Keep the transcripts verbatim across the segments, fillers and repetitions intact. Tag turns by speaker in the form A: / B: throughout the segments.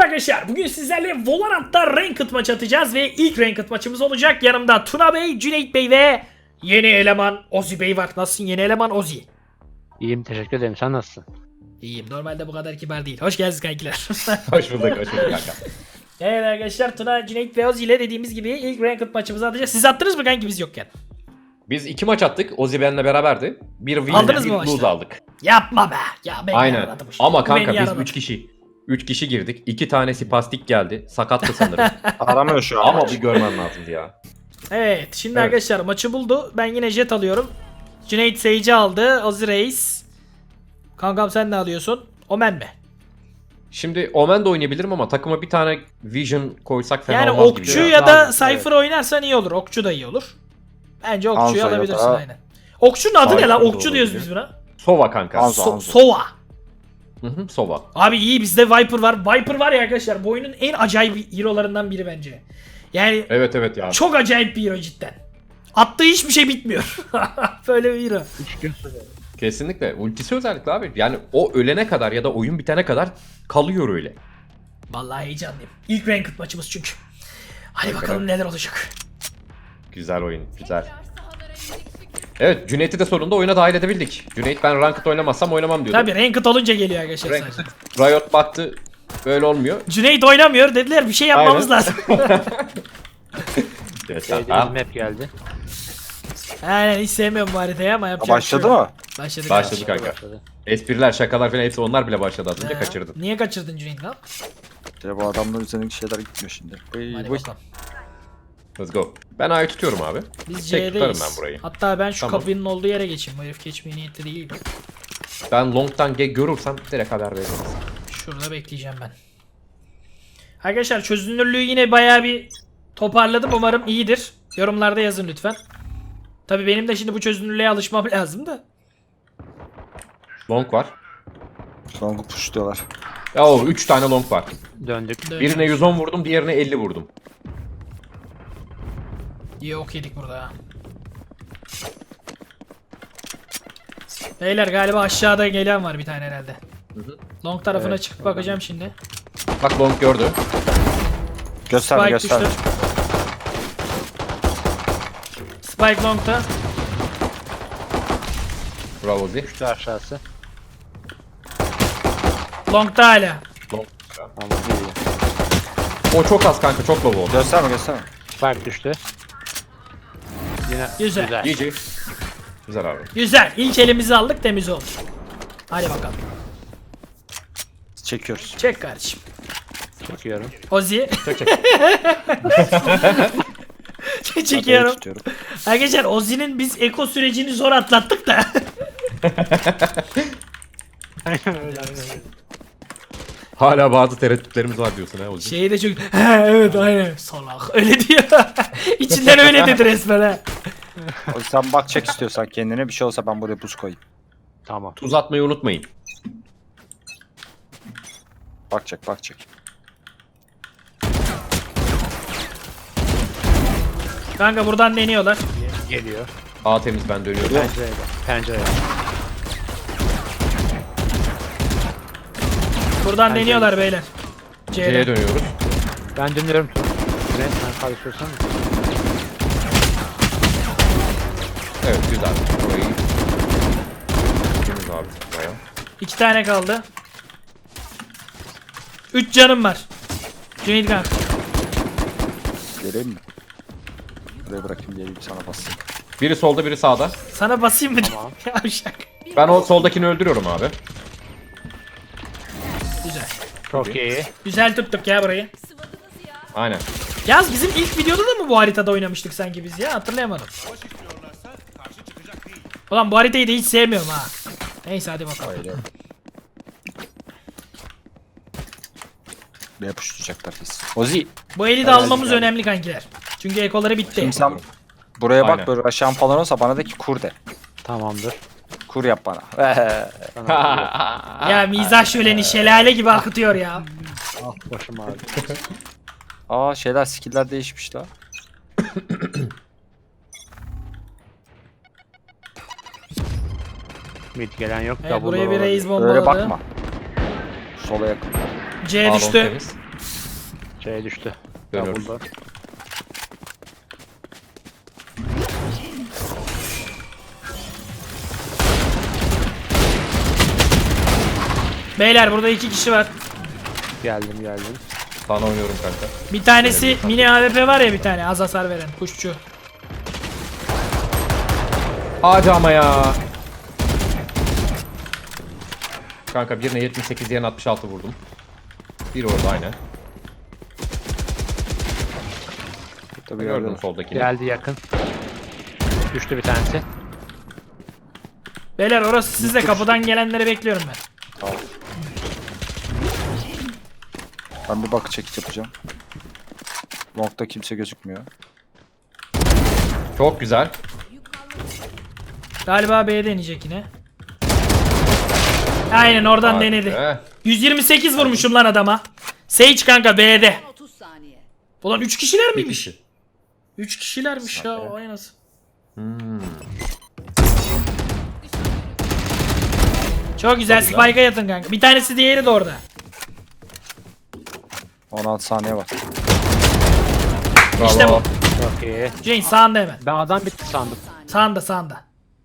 A: Merhaba arkadaşlar. Bugün sizlerle Valorant'ta Ranked maç atacağız ve ilk Ranked maçımız olacak. Yanımda Tuna Bey, Cüneyt Bey ve yeni eleman Ozi Bey var. Nasılsın yeni eleman Ozi?
B: İyiyim, teşekkür ederim. Sen nasılsın?
A: İyiyim. Normalde bu kadar kibar değil. Hoş geldiniz kankiler.
C: Hoş bulduk, hoş bulduk kanka.
A: Evet arkadaşlar, Tuna, Cüneyt ve Ozi ile dediğimiz gibi ilk Ranked maçımızı atacağız. Siz attınız mı kanki biz yokken?
C: Biz iki maç attık. Ozi benimle beraberdi. Bir win,
A: Aldınız
C: bir
A: mı
C: lose
A: maçta?
C: aldık.
A: Yapma be. Ya ben
C: Aynen.
A: yaraladım.
C: Ama
A: Bu
C: kanka
A: beni
C: biz
A: yaraladı.
C: üç kişi. üç kişi girdik. iki tanesi pastik geldi. Sakattı sanırım.
D: Aramıyor şu an.
C: Ama bir görmen lazımdı ya.
A: Evet şimdi
C: Evet.
A: arkadaşlar maçı buldu. Ben yine jet alıyorum. Cüneyt Sage'i aldı. Ozi Reis. Kankam sen ne alıyorsun? Omen mi?
C: Şimdi Omen de oynayabilirim ama takıma bir tane Vision koysak fena
A: Yani
C: olmaz
A: okçu
C: gibi.
A: ya, da
B: Lazım,
A: Cypher oynarsan iyi olur. Okçu da iyi olur. Bence okçuyu
D: Hanzo ya
A: alabilirsin
D: da-
A: aynen. Okçunun adı ne
C: Cypher
A: lan?
C: de
A: Okçu diyoruz
C: olabilir.
A: biz buna.
C: Sova kanka.
D: Hanzo.
A: So- Sova.
C: Hı hı, Sova.
A: Abi iyi, bizde Viper var. Viper var ya arkadaşlar, bu oyunun en acayip hero'larından biri bence. Yani
C: Evet evet ya.
A: çok acayip bir hero cidden. Attığı hiçbir şey bitmiyor. Böyle bir hero.
C: Kesinlikle. Ultisi özellikle abi. Yani o ölene kadar ya da oyun bitene kadar kalıyor öyle.
A: Vallahi heyecanlıyım. İlk Ranked maçımız çünkü. Hadi
C: Bakalım.
A: bakalım neler olacak.
C: Güzel oyun, güzel. Evet, Cüneyt'i de sonunda oyuna dahil edebildik. Cüneyt ben Ranked oynamazsam oynamam diyordu.
A: Tabii Ranked olunca geliyor arkadaşlar sadece.
C: Ranked, Riot baktı, böyle olmuyor.
A: Cüneyt oynamıyor dediler, bir şey yapmamız
C: Aynen.
A: lazım.
C: Geçen,
B: Sevdiğimiz
C: ha,
B: map geldi.
A: Aynen, hiç sevmiyorum bu haritayı ama yapacak bir şey
D: Başladı
A: yok.
D: mı?
A: Başladı.
C: Başladı
A: galiba.
C: kanka.
B: Başladı.
C: Espriler, şakalar falan hepsi onlar bile başladı az önce,
A: Ha,
C: kaçırdın.
A: Niye kaçırdın Cüneyt lan?
D: Ya bu adamların üzerindeki şeyler gitmiyor şimdi. Ey,
A: Hadi
D: bu-
A: bakalım.
C: Let's go. Ben A'yı tutuyorum abi.
A: Biz
C: Tek tutarım
A: C'deyiz.
C: ben burayı.
A: Hatta ben şu
C: Tamam.
A: kapının olduğu yere geçeyim. Bu herif geçmeye niyetli değil.
C: Ben long'tan ge- görürsem direkt haber veririm.
A: Şurada bekleyeceğim ben. Arkadaşlar çözünürlüğü yine bayağı bir toparladım. Umarım iyidir. Yorumlarda yazın lütfen. Tabii benim de şimdi bu çözünürlüğe alışmam lazım da.
C: Long var.
D: Long'u pushluyorlar.
C: Ya o üç tane long var.
B: Döndük.
C: Birine yüz on vurdum, diğerine elli vurdum.
A: İyi ok yedik burada ha. Beyler galiba aşağıda gelen var bir tane herhalde. Long tarafına
C: Evet.
A: çıkıp bakacağım şimdi.
C: Bak long gördü.
D: Gösterme
A: Spike
D: gösterme.
A: düştü. Spike long'ta.
C: Bravo Zi.
B: Düştü aşağısı.
A: Long'ta hala.
C: Long.
B: Tamam, iyi.
C: O çok az kanka, çok low oldu.
D: Gösterme gösterme.
B: Spike düştü. Yine
A: Güzel.
B: güzel.
C: G G. Güzel abi.
A: Güzel. İlk elimizi aldık, temiz oldu. Hadi bakalım.
D: Çekiyoruz.
A: Çek kardeşim.
B: Çekiyorum.
A: Ozi.
C: Çek çek.
A: Çekiyorum.
D: Tutuyorum.
A: Arkadaşlar Ozi'nin biz eko sürecini zor atlattık da.
C: Hala bazı tereddütlerimiz var diyorsun ha Ozi.
A: Şeyi de çok... He evet aynen. Salak. Öyle diyor. İçinden öyle dedi resmen ha.
D: O yüzden bak çek istiyorsan kendine, bir şey olsa ben buraya buz koyayım.
B: Tamam.
C: Tuz atmayı unutmayın.
D: Bak çek bak çek.
A: Kanka buradan deniyorlar.
B: Geliyor.
C: A temiz, ben dönüyorum.
B: Pencereye bak. Pencereye.
A: Buradan deniyorlar beyler.
C: C'ye
A: C'ye dön.
C: dönüyoruz.
B: Ben dönüyorum. Sen sen karıştırırsan.
C: Evet güzel. Burayı temiz abi. Bayağı.
A: İki tane kaldı. Üç canım var. Cüneyt kanka.
D: Geleyim mi? Buraya bırakayım, geleyim sana basayım.
C: Biri solda, biri sağda.
A: Sana basayım mı?
B: Tamam.
A: Yavşak.
C: Ben o soldakini öldürüyorum abi.
A: Güzel.
B: Çok iyi.
A: Güzel tuttuk ya burayı.
C: Aynen.
A: Yaz bizim ilk videoda da mı bu haritada oynamıştık sanki biz ya? Hatırlayamadım. Ulan bu haritayı da hiç sevmiyorum ha. Neyse hadi bakalım.
D: Öyle. Ne yapıştıracaklar biz. Ozi.
A: Bu eli de
D: Hayal
A: almamız
D: yani.
A: önemli kankiler. Çünkü ekoları bitti.
D: Şimdi sen buraya bak,
C: Aynen.
D: böyle aşağı falan olsa bana de ki kur de.
B: Tamamdır.
D: Kur yap bana.
B: Sana
A: Ya mizah şöleni şelale gibi akıtıyor ya.
B: ah başım ağrıyor.
D: Aa şeyler, skill'ler değişmiş la.
B: Mid gelen yok.
A: Evet,
B: Double
A: buraya bir
B: olabilir.
A: reis
D: Öyle
A: bombaladı.
D: bakma. Sola yakın.
A: C
C: A long
A: düştü.
C: temiz.
B: Şey düştü.
C: Dönüyoruz.
B: Double door.
A: Beyler burada iki kişi var.
B: Geldim geldim.
C: Sana oynuyorum kanka.
A: Bir tanesi mini A W P var ya, bir tane az hasar veren kuşçu.
C: Hadi ama ya. Kanka birine yetmiş sekiz, diğerine altmış altı vurdum. Bir orada aynen.
D: Tabii
C: Gördüm
D: gördüm.
C: soldakini.
B: Geldi yakın. Düştü bir tanesi.
A: Beyler orası sizde, kapıdan gelenleri bekliyorum ben.
D: Tamam. Ben bir bakı çekiç yapacağım. Long'da kimse gözükmüyor.
C: Çok güzel.
A: Galiba B'ye deneyecek yine. Aynen oradan
C: Hadi
A: denedi.
C: be.
A: yüz yirmi sekiz vurmuşum lan adama. Sage kanka B'de.
E: otuz saniye.
A: Ulan üç kişiler
C: Bir
A: miymiş?
C: kişi.
A: üç kişilermiş ya, o nasıl?
C: Hmm.
A: Çok güzel,
C: Çok güzel.
A: Spike'a yatın kanka. Bir tanesi diğeri de orada.
D: on altı saniye var.
C: Bravo.
A: İşte bu.
B: Çok iyi.
A: Jane sağında hemen.
B: Ben adam bitti sandım.
A: Sağında sağında.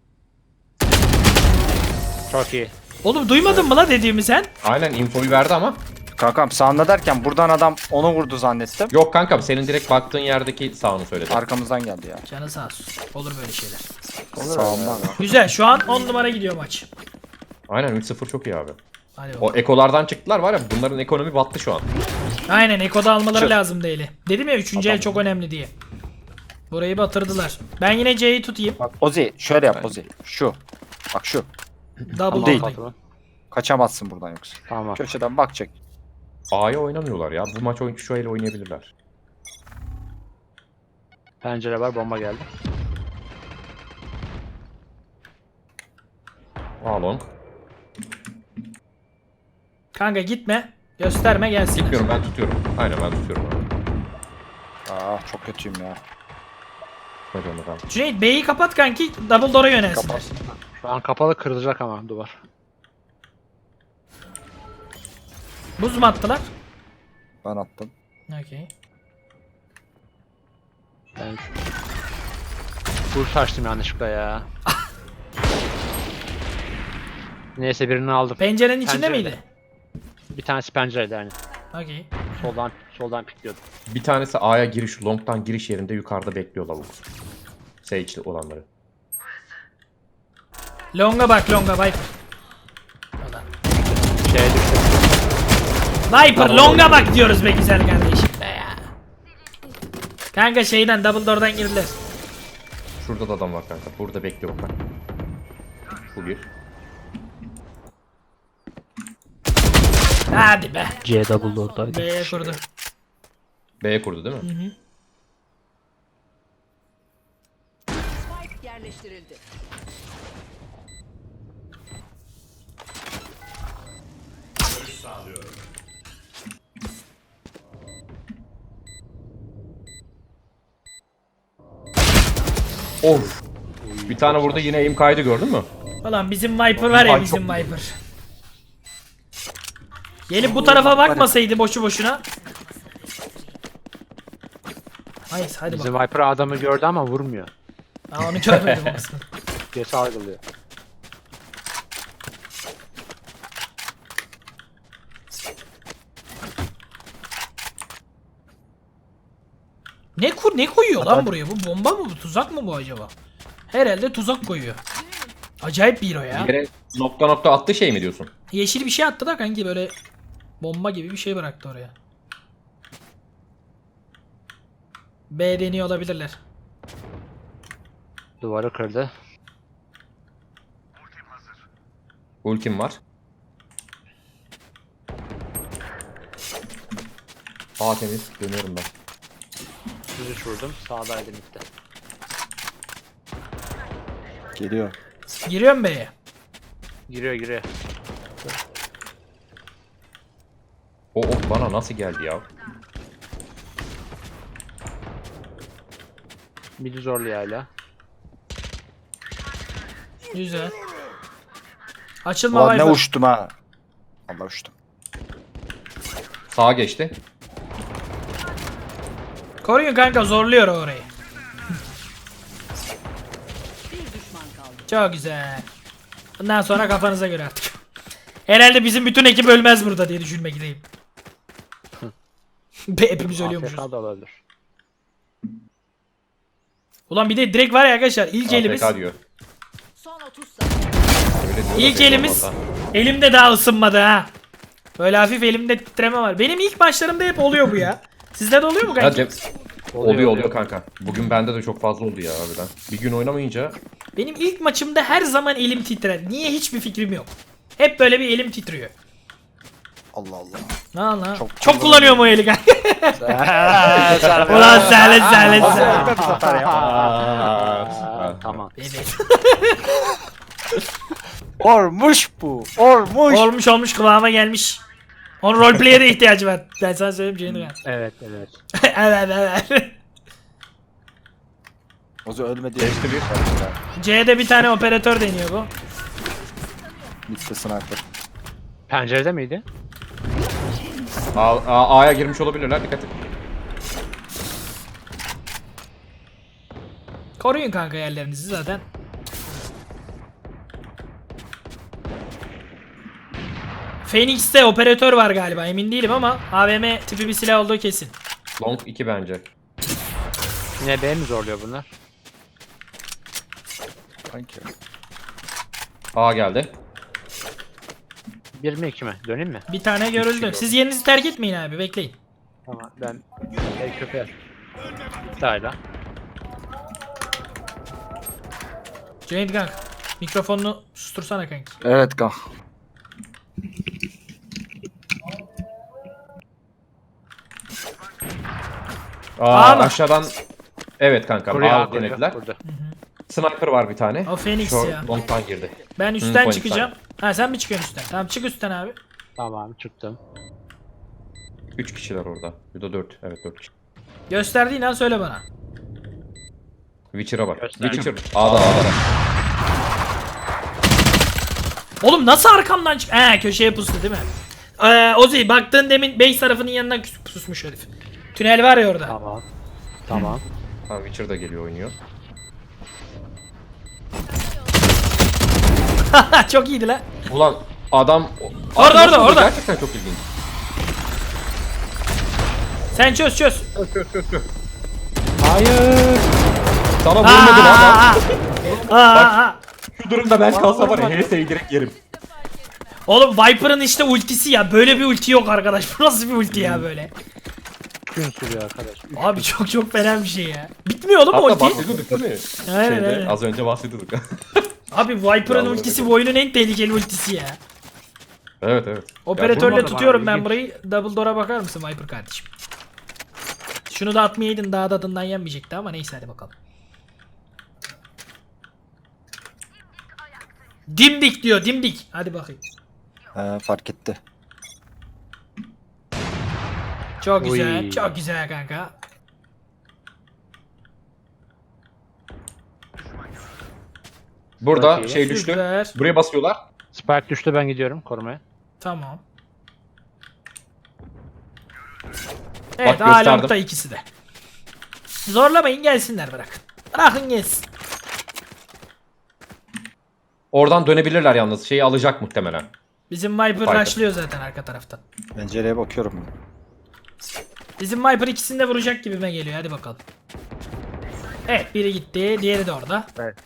B: Çok iyi.
A: Oğlum duymadın mı la dediğimi sen?
C: Aynen infoyu verdi ama.
D: Kankam sağında derken buradan adam onu vurdu zannettim.
C: Yok kankam, senin direkt baktığın yerdeki sağını söyledi.
D: Arkamızdan geldi ya.
A: Canı sağ olsun. Olur böyle şeyler.
D: Sağımdan.
A: Güzel, şu an on numara gidiyor maç.
C: Aynen üç sıfır çok iyi abi.
A: Hadi bakalım.
C: O ekolardan çıktılar var ya, bunların ekonomi battı şu an.
A: Aynen, Eko'da almaları
D: Çık.
A: lazım değil. Dedim ya üçüncü el çok önemli diye. Burayı batırdılar. Ben yine C'yi tutayım.
D: Bak Ozi şöyle yap Ozi. Şu. Bak şu.
A: Double
D: değil.
A: değil.
D: Kaçamazsın buradan yoksa.
B: Tamam.
D: Köşeden bak çek.
C: A'ya oynamıyorlar ya. Bu maç oyun şu el oynayabilirler.
B: Pencere var, bomba geldi.
C: A long.
A: Kanka gitme. Gösterme gelsin.
C: Gitmiyorum, ben tutuyorum. Aynen ben tutuyorum abi.
D: Aa çok kötüyüm ya.
C: Hadi onu kanka.
A: Cüneyt B'yi kapat kanki. Double door'a yönelsin.
D: Kapat.
B: Şu an kapalı, kırılacak ama duvar.
A: Buz mu attılar?
D: Ben attım.
A: Okey.
B: Ben Full açtım yanlışlıkla ya. Neyse birini aldım.
A: Pencerenin içinde
B: Pencerede.
A: miydi?
B: Bir tanesi pencerede yani.
A: Okey.
B: Soldan soldan pikliyordu.
C: Bir tanesi A'ya giriş, long'tan giriş yerinde yukarıda bekliyor lavuk. Sage'li olanları.
A: Longa bak, longa Viper. Ulan.
B: Şeye düştü.
A: Viper longa bak diyoruz be güzel kardeşim be ya. Kanka şeyden double door'dan girdiler.
C: Şurada da adam var kanka. Burada bekliyor bak. Bu bir.
A: Hadi be.
B: C double door'daydı.
A: B'ye kurdu.
C: B'ye kurdu değil mi?
E: Spike yerleştirildi.
C: Of. Bir tane burada yine aim kaydı, gördün mü?
A: Ulan bizim Viper var ya,
C: Ay,
A: bizim
C: çok-
A: Viper. Gelip bu tarafa bakmasaydı boşu boşuna. Hayır hadi
B: Bizim
A: bak.
B: Viper adamı gördü ama vurmuyor.
A: Aa, onu görmedim aslında.
B: Gerisi algılıyor.
A: Ne kur ne koyuyor lan buraya? Bu bomba mı, bu tuzak mı bu acaba? Herhalde tuzak koyuyor. Acayip bir o ya.
C: Yere nokta nokta attı şey mi diyorsun?
A: Yeşil bir şey attı da kanki, böyle bomba gibi bir şey bıraktı oraya. B deniyor olabilirler.
B: Duvarı kırdı.
C: Ultim var. A temiz. Dönüyorum ben.
B: Düz vurdum. Sağdaydı midde.
D: Geliyor.
A: Giriyorum B'ye.
B: Giriyor giriyor.
C: O, o bana nasıl geldi ya?
B: Midi zorluyor hala.
A: Güzel. Açılma
D: Ulan ne
A: Viper.
D: uçtum ha. Allah uçtum.
C: Sağa geçti.
A: Koruyun kanka, zorluyor orayı.
E: Bir düşman kaldı.
A: Çok güzel. Bundan sonra kafanıza göre artık. Herhalde bizim bütün ekip ölmez burada diye düşünmekteyim. Be hepimiz ölüyormuşuz.
B: A F K da olabilir.
A: Ulan bir de direkt var ya arkadaşlar, ilk elimiz.
C: A F K diyor.
E: Son otuz saniye.
C: Öyle diyor da
A: İlk
C: belli
A: elimiz
C: olmaz
A: elimde daha ısınmadı ha. Böyle hafif elimde titreme var. Benim ilk maçlarımda hep oluyor bu ya. Sizde de oluyor mu
C: ha.
A: kanka?
C: Ya Cem- oluyor oluyor kanka. Bugün bende de çok fazla oldu ya harbiden. Bir gün oynamayınca
A: Benim ilk maçımda her zaman elim titrer. Niye, hiçbir fikrim yok. Hep böyle bir elim titriyor.
D: Allah Allah.
A: Ne Allah. Çok,
D: Çok
A: kullanıyorum o eli kanka. Ulan sahlet sahlet sahlet.
B: Aa, tamam.
A: Evet.
D: Olmuş bu. Olmuş.
A: Olmuş olmuş, kıvama gelmiş. Onun roleplay'e de ihtiyacı var. Ben sana söyleyeyim Ceyhun.
B: Evet evet.
A: Evet evet.
D: Ozu ölmedi.
C: Geçti bir.
A: C'de bir tane operatör deniyor bu.
D: Bitti sniper.
B: Pencerede miydi?
C: A- A- A'ya girmiş olabilirler, dikkat et.
A: Koruyun kanka yerlerinizi zaten. Phoenix'te operatör var galiba, emin değilim ama A V M tipi bir silah olduğu kesin.
C: Long iki bence.
B: Yine B mi zorluyor bunlar?
D: Sanki.
C: A geldi.
B: Bir mi iki mi? Döneyim mi?
A: Bir tane görüldü. Siz yerinizi terk etmeyin abi, bekleyin.
B: Tamam ben el köpeğe. Bitti hala.
A: Cüneyt kanka, mikrofonunu sustursana kanki.
D: Evet kan.
C: Aa,
A: A mı?
C: aşağıdan. Evet kanka.
B: Kuruyor
C: A
B: A kuruyor.
C: denediler.
B: Burada.
C: Sniper var bir tane.
A: O Phoenix
C: Short-
A: ya.
C: Long'tan girdi.
A: Ben
C: Hı,
A: üstten
C: point
A: çıkacağım. Ha, sen mi çıkıyorsun üstten? Tamam, çık üstten abi.
B: Tamam çıktım.
C: üç kişiler orada. Bir de dört. Evet dört kişi.
A: Gösterdiğin an söyle bana.
C: Witcher'a bak.
B: Göster.
C: Witcher. A'da A'da.
A: Oğlum nasıl arkamdan çık... He, köşeye pustu değil mi? Ee, Ozi, baktığın demin base tarafının yanından kus- pusmuş herif. Tünel var ya orada.
B: Tamam. Tamam.
C: Ha, Witcher da geliyor oynuyor.
A: Çok iyiydi lan.
C: Ulan adam...
A: Orada,
C: Abi
A: orada,
C: nasıl
A: orada.
C: Gerçekten çok ilginç.
A: Sen çöz çöz.
B: Hayır.
C: Sana
A: Aa,
C: vurmadı lan.
A: aa, aa. Aa, aa.
C: Şu durumda ben kalsam var ya H S'yi direkt yerim.
A: Oğlum Viper'ın işte ultisi ya. Böyle bir ulti yok arkadaş. Bu nasıl bir ulti ya böyle?
B: Gün sürüyor arkadaş. Üç
A: Abi çok çok fena bir şey ya. Bitmiyor oğlum o
C: Hatta
A: ulti.
C: bahsediyorduk değil mi?
A: Aynen,
C: Şeyde,
A: aynen.
C: Az önce bahsediyorduk.
A: Abi Viper'ın
C: Vallahi
A: ultisi
C: öyle.
A: bu oyunun en tehlikeli ultisi ya.
C: evet evet.
A: Operatörle
B: vurmadım
A: tutuyorum
B: abi,
A: ben
B: ilginç.
A: burayı. Double door'a bakar mısın Viper kardeşim? Şunu da atmayaydın, daha tadından yenmeyecekti ama neyse, hadi bakalım. Dimdik diyor, dimdik. Hadi bakayım.
D: He, fark etti.
A: Çok güzel,
B: Oy.
A: çok güzel kanka.
C: Burada
B: Çok iyi.
C: şey düştü.
A: Süper.
C: Buraya basıyorlar.
B: Spike düştü, ben gidiyorum korumaya.
A: Tamam. Evet,
C: Bak, gösterdim.
A: Along'da ikisi de. Zorlamayın, gelsinler, bırakın. Bırakın gelsin.
C: Oradan dönebilirler yalnız. Şeyi alacak muhtemelen.
A: Bizim Viper
C: Viper.
A: rushlıyor zaten arka taraftan.
D: Pencereye bakıyorum.
A: Bizim Viper ikisini de vuracak gibime geliyor. Hadi bakalım. Evet, biri gitti. Diğeri de orada.
B: Evet.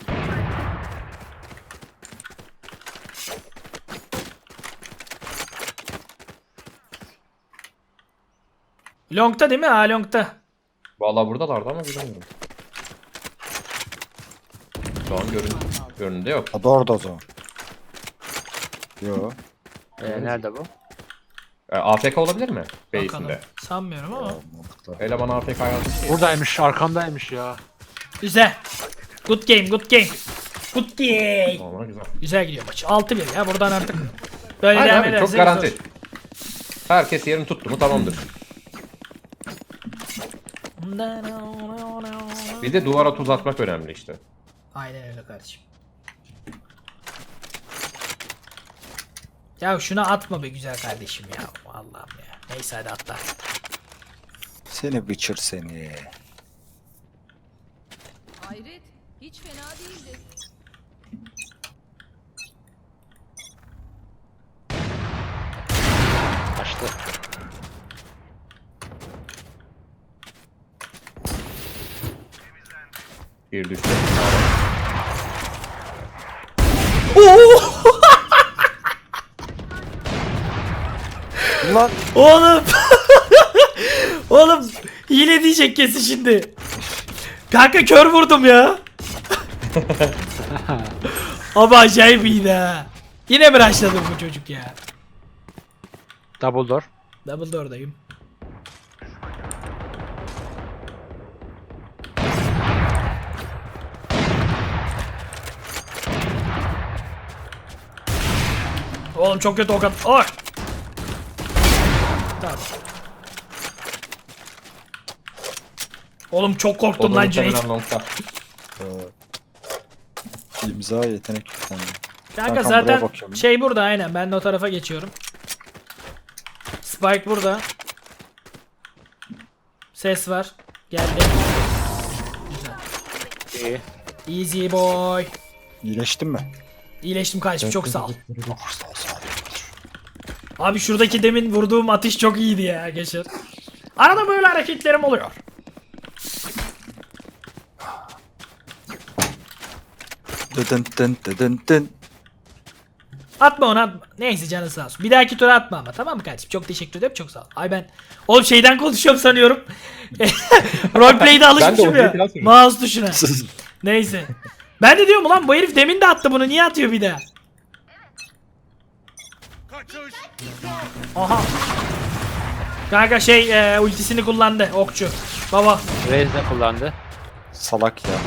A: Long'ta değil mi? Ha, Long'ta.
C: Vallahi buradalardı ama bilmiyorum. Şu an görün görünümde yok.
D: O da orada o zaman. Yo.
B: Ee, nerede bu?
C: E, A F K olabilir mi?
A: Bakalım.
C: Base'inde.
A: Sanmıyorum ama.
D: Mantıklı.
C: Eleman A F K yazmış.
B: Buradaymış, arkamdaymış ya.
A: Güzel. Good game, good game. Good game.
C: Normal güzel.
A: Güzel gidiyor maç. altı bir ya, buradan artık. Böyle
C: Aynen
A: devam
C: abi,
A: edersek
C: çok garanti.
A: zor.
C: Herkes yerini tuttu mu tamamdır. Bir de duvara tuz atmak önemli işte.
A: Aynen öyle kardeşim. Ya şuna atma be güzel kardeşim ya. Allah'ım ya. Neyse hadi atla.
D: Seni Witcher seni.
E: Hayret. Hiç fena değildi.
B: Açtı.
C: Bir düştü.
D: Lan
A: Oğlum. Oğlum hile diyecek kesin şimdi. Kanka kör vurdum ya. Ama acayip iyiydi ha. Yine mi rushladı bu çocuk ya?
B: Double door.
A: Double door'dayım. Oğlum çok kötü o kadar. Oy. Tamam. Oğlum çok korktum
C: O da
A: lan Cüneyt.
C: muhtemelen longta.
D: imza yetenek yüklendi.
A: Kanka
D: Kankam,
A: zaten
D: buraya bakıyorum.
A: şey burada aynen. Ben de o tarafa geçiyorum. Spike burada. Ses var. Geldi.
B: İyi.
A: Easy boy.
D: İyileştin mi?
A: İyileştim kardeşim çok sağ ol.
D: Oh, sağ ol, sağ ol.
A: Abi şuradaki demin vurduğum atış çok iyiydi ya Geçer. Arada böyle hareketlerim oluyor.
D: Dıdın dın dıdın dın.
A: Atma onu atma. Neyse canın sağ olsun. Bir dahaki tura atma ama tamam mı kardeşim? Çok teşekkür ederim çok sağ ol. Ay ben oğlum şeyden konuşuyorum sanıyorum. Roleplay'de alışmışım
C: Ben de
A: ya.
C: o falan söylüyorum.
A: Mouse tuşuna. Neyse. Ben de diyorum ulan bu herif demin de attı bunu niye atıyor bir daha? Aha. Kanka şey e, ultisini kullandı okçu. Baba.
B: Raze de kullandı.
D: Salak ya.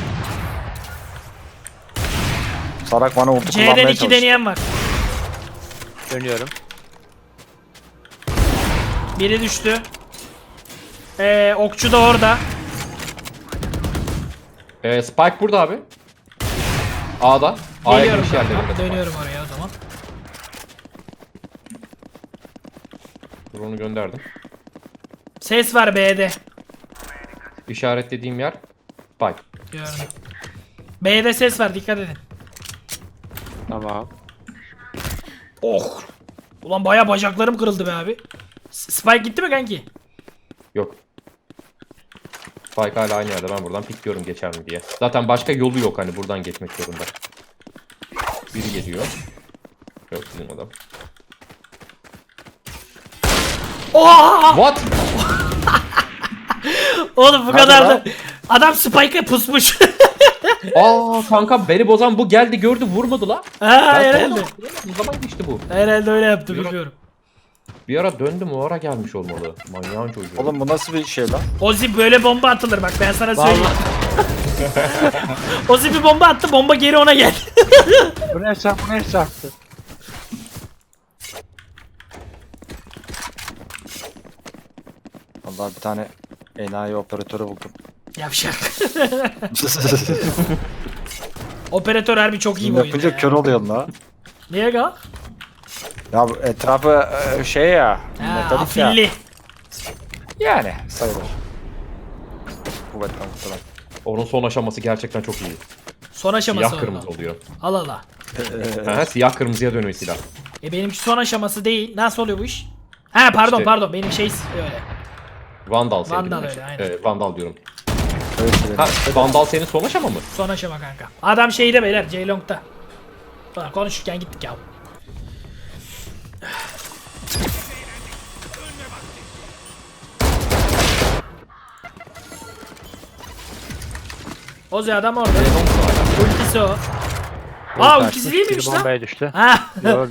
D: Salak bana ulti
A: C'den
D: kullanmaya
A: iki
D: çalıştı.
A: deneyen var.
B: Dönüyorum.
A: Biri düştü. Ee, okçu da orada.
C: Ee, Spike burada abi. A'da. A'ya
A: Geliyorum
C: giriş
A: kanka.
C: yerlerinde.
A: Dönüyorum oraya o zaman.
C: Drone'u gönderdim.
A: Ses var B'de.
C: İşaretlediğim yer Spike.
A: Gördüm. B'de ses var dikkat edin.
B: Tamam.
A: Oh. Ulan baya bacaklarım kırıldı be abi. S- Spike gitti mi kanki?
C: Yok. Spike hala aynı yerde. Ben buradan pikliyorum geçer mi diye. Zaten başka yolu yok hani buradan geçmek zorunda. Biri geliyor. Yok bizim adam.
A: Oha!
C: What?
A: Oğlum bu
D: Hadi
A: kadar da.
D: lan.
A: Adam Spike'a pusmuş.
C: Aa kankam beni bozan bu geldi gördü vurmadı la.
A: ha
C: Ben
A: herhalde.
C: tamam, o zaman geçti bu.
A: Herhalde öyle yaptı
C: Yürü.
A: bilmiyorum.
C: Bir ara döndüm o ara gelmiş olmalı. Manyağın çocuğu.
D: Oğlum bu nasıl bir şey lan?
A: Ozi böyle bomba atılır bak ben sana söyleyeyim. Ozi bir bomba attı bomba geri ona geldi.
B: Bu ne çarptı? Bu ne çarptı?
D: Vallahi bir tane enayi operatörü buldum.
A: Yavşak. Operatör harbi çok iyi
D: Bunu
A: bir oyunda
D: yapınca
A: ya.
D: kör oluyorsun la.
A: Niye ga?
D: Ya bu etrafı e, şey ya.
A: Ha,
D: metalik ya.
A: afilli.
D: Yani sayılır. Kuvvetten muhtemelen.
C: Onun son aşaması gerçekten çok iyi.
A: Son aşaması
C: Siyah kırmızı
A: oldu.
C: oluyor.
A: Al al al.
C: Aha, siyah kırmızıya dönüyor silah.
A: E benimki son aşaması değil. Nasıl oluyor bu iş? Ha pardon
C: İşte-
A: pardon benim şey öyle.
C: Vandal senin.
A: Vandal
C: değil mi?
A: öyle, aynen.
C: Evet, Vandal diyorum.
D: Öyle şeyler.
C: Ha, Vandal senin son aşama mı?
A: Son aşama kanka. Adam şeyde beyler Ceylong'da. Ulan konuşurken gittik ya. Ozi adam orada. Ultisi o. Aa ultisi değil miymiş
B: Biri
A: lan?
B: bombaya düştü.
A: Ha.
B: Yo,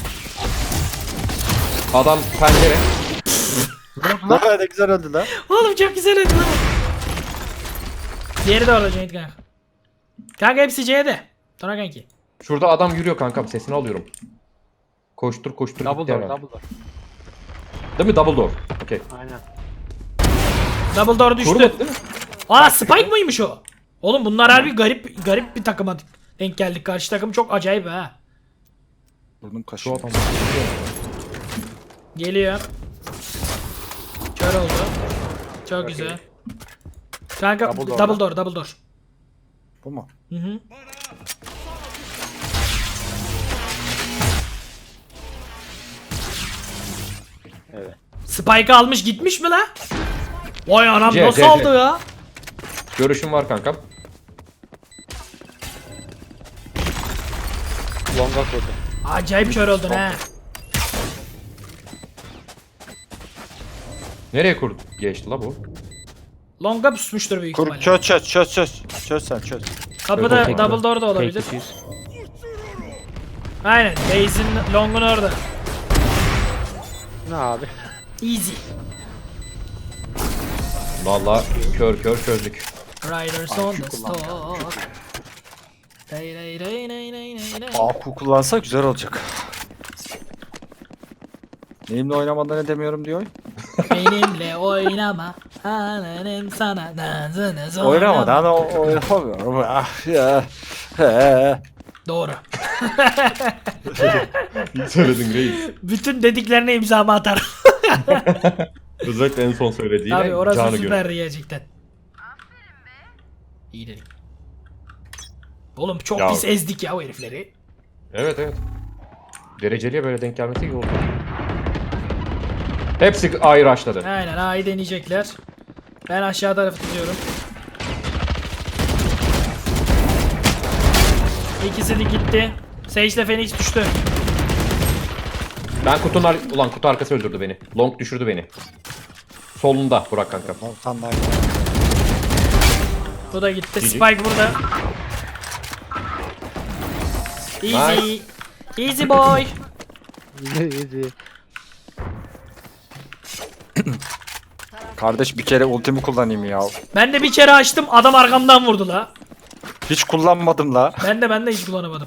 C: Adam pencere.
D: Lan ne güzel öldü lan.
A: Oğlum çok güzel ödü lan. Diğeri de orada Cüneyt kanka. Kanka hepsi C'de. Sonra kanki.
C: Şurada adam yürüyor kankam sesini alıyorum. Koştur koştur.
B: double
C: gitti
B: door,
C: herhalde.
B: double door.
C: Değil mi? Double door. Okey.
B: Aynen.
A: Double door düştü.
C: Vurmadı değil mi?
A: Aa Spike mıymış o? Oğlum bunlar harbi garip garip bir takıma denk geldik. Karşı takım çok acayip ha.
D: Burnum
C: Şu
D: kaşıyor.
C: adam.
A: Geliyor. Kör oldu. Çok güzel. Kanka
D: Double
A: double
D: door.
A: door, double door.
D: Bu mu?
A: Hı hı.
B: Evet.
A: Spike'ı almış gitmiş mi la? Vay anam
C: C,
A: nasıl
C: C, C.
A: aldı ya?
C: Görüşüm var kankam.
B: Longa kurdu.
A: Acayip kör oldun ha.
C: Nereye kur geçti la bu?
A: Longa pusmuştur büyük
D: Kur
A: ihtimalle.
D: çöz çöz çöz çöz. Çöz sen çöz.
A: Kapıda
C: Yok, yok,
A: double
C: yok.
A: door da olabilir.
B: Tek kişiyiz.
A: Aynen. Base'in longun orada.
B: Ne abi?
A: Easy.
C: Vallahi kör kör çözdük.
A: Riders on the stalk. Day day day day day day day.
D: A Q kullansa güzel olacak. Neyimle oynamadan edemiyorum diyor.
A: Benimle oynama. Ananın sana nazını zorlama.
D: Oynamadan o oynamıyorum. Ah ya. He.
A: Doğru.
C: İyi söyledin reis.
A: Bütün dediklerine imzamı atarım.
C: Özellikle en son söylediğine
A: Abi orası
C: canı gör.
A: süperdi gerçekten. İyi dedik. Oğlum çok
C: Ya-
A: pis ezdik ya o herifleri.
C: Evet evet. Dereceliye böyle denk gelmesi iyi oldu. Hepsi ayrı açladı.
A: Aynen A'yı deneyecekler. Ben aşağı tarafı tutuyorum. İkisi de gitti. Sage ile Phoenix düştü.
C: Ben kutunun ar- ulan kutu arkası öldürdü beni. Long düşürdü beni. Solunda Burak kankam.
D: Volkan daha
A: Bu da gitti.
C: G G.
A: Spike burada. Easy. Easy boy.
B: Easy.
D: Kardeş bir kere ultimi kullanayım ya.
A: Ben de bir kere açtım. Adam arkamdan vurdu la.
D: Hiç kullanmadım la.
A: Ben de ben de hiç kullanamadım.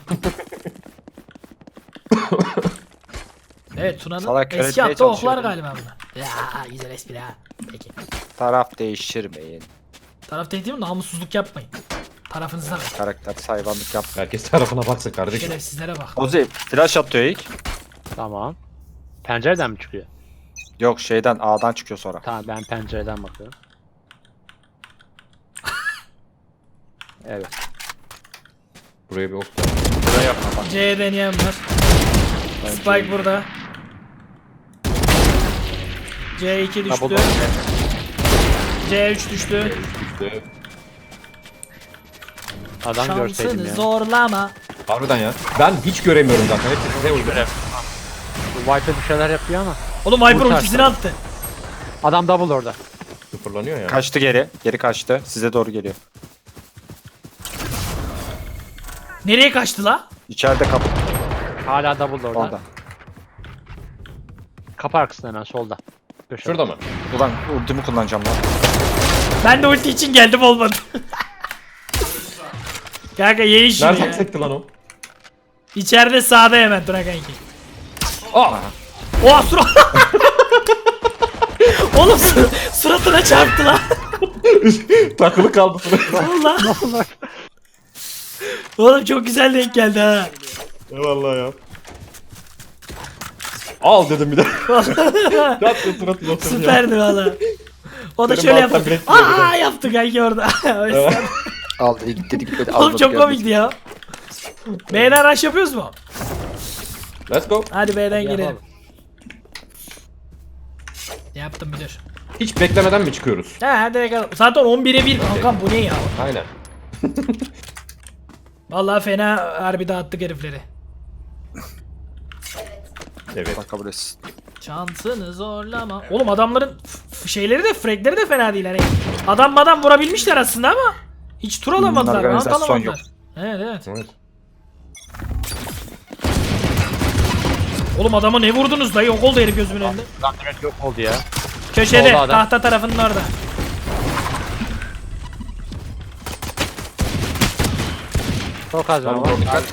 A: Evet Tuna'nın
D: Salak
A: eski
D: öğretmeye
A: attığı oklar
D: çalışıyordum.
A: galiba bunlar. Ya güzel espri ha. Peki.
D: Taraf değiştirmeyin.
A: Taraf değil mi? Namussuzluk yapmayın. Tarafınıza bakın.
D: Karakter hayvanlık yap.
C: Herkes tarafına baksın kardeşim.
A: Şerefsizlere bak.
D: Ozi flash atıyor ilk.
B: Tamam. Pencereden mi çıkıyor?
D: Yok şeyden A'dan çıkıyor sonra.
B: Tamam ben pencereden bakıyorum. Evet.
C: Buraya bir ok.
D: Buraya yapma bak.
A: C'ye deneyen var. Spike burada. C iki düştü.
D: Double
A: C üç düştü.
C: İşte.
B: Adam görseydim
A: Şansını
B: ya.
A: zorlama.
C: Harbiden ya. Ben hiç göremiyorum zaten. Hepsi size uygun.
B: Bu Viper bir şeyler yapıyor ama.
A: Oğlum Viper
B: Vur
A: ultisini
B: taşları.
A: attı.
B: Adam double orada.
C: Sıfırlanıyor ya.
D: Kaçtı geri. Geri kaçtı. Size doğru geliyor.
A: Nereye kaçtı la?
D: İçeride kapı.
B: Hala double orada.
D: Orada.
B: Kapı arkasında hemen solda. Köşede.
C: Şurada mı?
D: Ulan ultimi kullanacağım lan.
A: Ben de ulti için geldim olmadı. Kanka ye şunu
C: Nereden
A: ya.
C: sekti lan o?
A: İçeride sağda hemen Tuna kanki.
C: Aa!
A: Oha surat. Oğlum sur- suratına çarptı lan.
C: Takılı kaldı sıra.
A: Allah. Oğlum çok güzel denk geldi ha.
C: Eyvallah ya. Al dedim bir de. Yaptı suratına oturdu ya.
A: Süperdi valla. O da
C: Senin
A: şöyle
C: baltan
A: yaptı.
C: bilek yiyor bir
A: Aa yaptı kanki orada. O yüzden-
D: Aldı gitti gitti.
A: Oğlum çok komikti ya. B'den rush yapıyoruz mu?
C: Let's go.
A: Hadi B'den girelim.
B: Yapalım.
A: Yaptım müdür.
C: Hiç beklemeden mi çıkıyoruz?
A: Ha direkt al. Zaten on bire bir kankam bu ne ya?
C: Aynen.
A: Vallahi fena harbi dağıttık herifleri.
C: Evet.
D: Bak kabul etsin.
A: Şansını zorlama. Oğlum adamların f- şeyleri de fragleri de fena değil hani. Adam madam vurabilmişler aslında ama hiç tur alamadılar.
D: Hmm,
A: round
D: organizasyon
A: alamadılar. Evet evet.
C: Evet.
A: Oğlum adama ne vurdunuz dayı? Yok oldu herif gözümün önünde.
B: Adam direkt yok oldu ya.
A: Köşede
B: Solda adam.
A: tahta tarafının orada.
B: Çok az var.
C: Tamam, doğru, dikkat.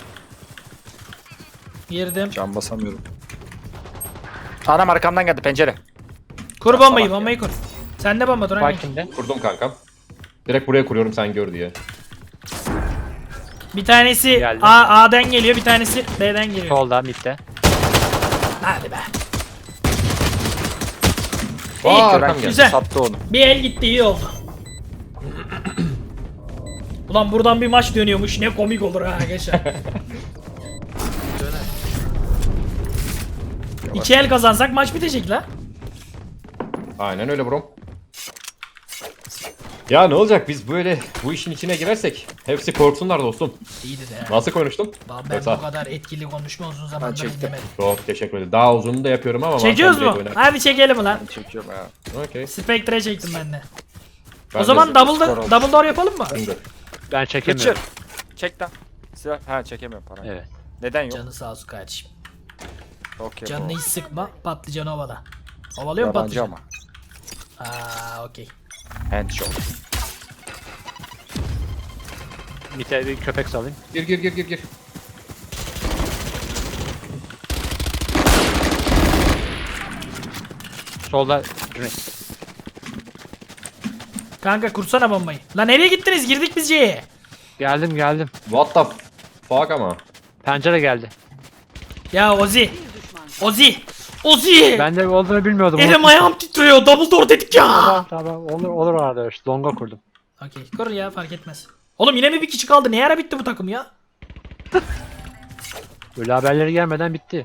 A: Girdim.
D: Can basamıyorum. Anam arkamdan geldi pencere.
A: Kur bombayı
D: salak
A: bombayı kur. Sen de bomba dur
B: Bak
A: hani.
B: şimdi.
C: Kurdum kankam. Direkt buraya kuruyorum sen gör diye.
A: Bir tanesi
B: Geldi.
A: A A'den geliyor, bir tanesi B'den geliyor.
B: Solda midde.
A: Hadi be. İyi.
C: Aa, arkam geldi.
A: Güzel.
D: Sattı onu.
A: Bir el gitti, iyi oldu. Ulan buradan bir maç dönüyormuş, ne komik olur ha arkadaşlar. İki el kazansak maç bitecek la.
C: Aynen öyle bro. Ya ne olacak biz böyle bu işin içine girersek hepsi korksunlar dostum.
A: İyiydi de.
C: Nasıl konuştum?
A: Lan ben
C: Yoksa-
A: bu kadar etkili konuşma uzun
D: Ben
A: zamandır
D: çektim.
A: dinlemedim.
C: Çok teşekkür ederim. Daha uzununu da yapıyorum ama.
A: Çekiyoruz
C: bazen
A: mu?
C: direkt
A: Hadi çekelim ulan.
D: Çekiyorum ya.
C: öyle- Okey.
A: Spectre çektim ben de.
C: Ben
A: O zaman
C: de-
A: double,
D: skor oldu.
A: double door yapalım mı?
C: Finger.
B: Ben çekemiyorum.
D: Geçir. Çek lan. Silah. Ha çekemiyorum para.
B: Evet.
D: Neden yok?
A: Canı sağ olsun kardeşim.
D: Okey.
A: Canını
D: bro.
A: hiç sıkma, patlıcanı ovala. Ovalıyor mu
D: Yabancı
A: patlıcan?
D: ama.
A: Aa, okey.
D: Handshot.
B: Mite bir köpek salayım.
C: Gir gir gir gir gir.
B: Solda Cüneyt.
A: Kanka kursana bombayı. Lan nereye gittiniz? Girdik biz C'ye.
B: Geldim geldim.
C: What the fuck ama.
B: Pencere geldi.
A: Ya Ozi. Ozi. Ozi.
B: Ben de olduğunu bilmiyordum.
A: Elim ayağım titriyor. Double door dedik ya.
B: Tamam tamam olur olur arada işte longa kurdum.
A: Okey. Kur ya, fark etmez. Oğlum yine mi bir kişi kaldı? Ne ara bitti bu takım ya?
B: Böyle haberleri gelmeden bitti.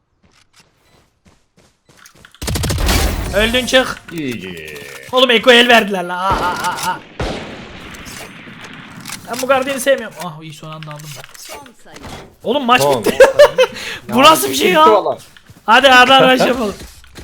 A: Öldün çık.
C: İyi.
A: Oğlum Eko el verdiler la. Aa, aa, aa. Ben bu gardiyanı sevmiyorum. Ah iyi, son anda aldım ben.
E: Son sayı.
A: Oğlum maç
C: Son.
A: bitti. Bu nasıl bir şey ya?
C: Valla.
A: Hadi hadi hadi yapalım.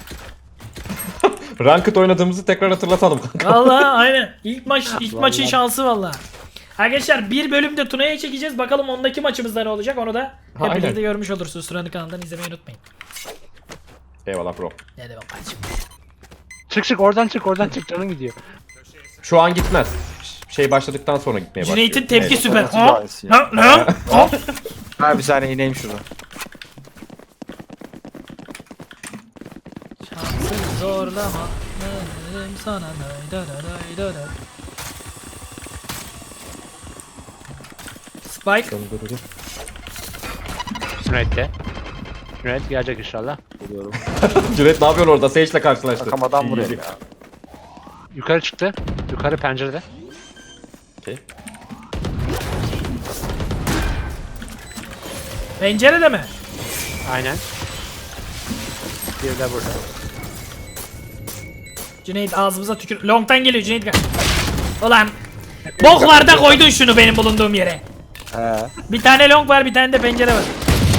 C: Ranked oynadığımızı tekrar hatırlatalım.
A: Vallahi aynen. İlk maç ilk maçın şansı vallahi. Arkadaşlar bir bölümde Tuna'ya çekeceğiz. Bakalım ondaki maçımızda ne olacak, onu da hep
C: Aynen.
A: birlikte görmüş olursunuz. Tuna'nın kanalından izlemeyi unutmayın.
C: Eyvallah bro.
A: Ne demek kardeşim.
B: Çık çık oradan çık oradan çık canın gidiyor.
C: Şu an gitmez. Şey başladıktan sonra gitmeye başlıyor.
A: Cüneyt'in tepki
C: Evet.
A: süper.
D: Nasıl
A: Ha?
D: gayesi ya?
A: Ne? Ne? Ha?
D: Ha bir saniye ineyim şuradan.
A: Şansını zorlama. Ne dedim sana? Day, da, da, day, da, da. Spike.
B: Cüneyt de. Cüneyt gelecek inşallah.
D: Geliyorum.
C: Cüneyt ne yapıyorsun orada? Sage'le karşılaştı.
D: Takamadan
C: İyi,
D: buraya
C: iyi.
D: ya.
B: Yukarı çıktı. Yukarı pencerede.
C: Okey.
A: Pencerede mi?
B: Aynen. Bir de burada.
A: Cüneyt ağzımıza tükür. Long'tan geliyor Cüneyt. gel. Ulan. Boklarda koydun şunu benim bulunduğum yere.
D: He.
A: Bir tane long var, bir tane de pencere var.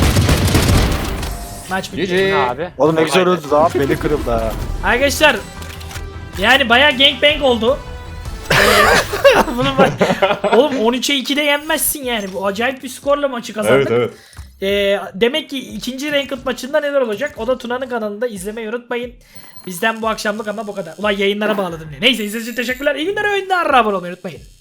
A: Maç bitti.
C: G G.
B: Ne abi?
D: Oğlum ne güzel öldü daha. Beni kırıldı ha.
A: Arkadaşlar yani bayağı gangbang oldu. Ee, Bunun bak. Oğlum on üçe ikide yenmezsin yani. Bu acayip bir skorla maçı kazandık.
C: Evet evet.
A: Ee, demek ki ikinci ranked maçında neler olacak? O da Tuna'nın kanalında, izlemeyi unutmayın. Bizden bu akşamlık ama bu kadar. Ulan yayınlara bağladım diye. Neyse, izlediğiniz için teşekkürler. İyi günler, oyunlar. Abone olmayı unutmayın.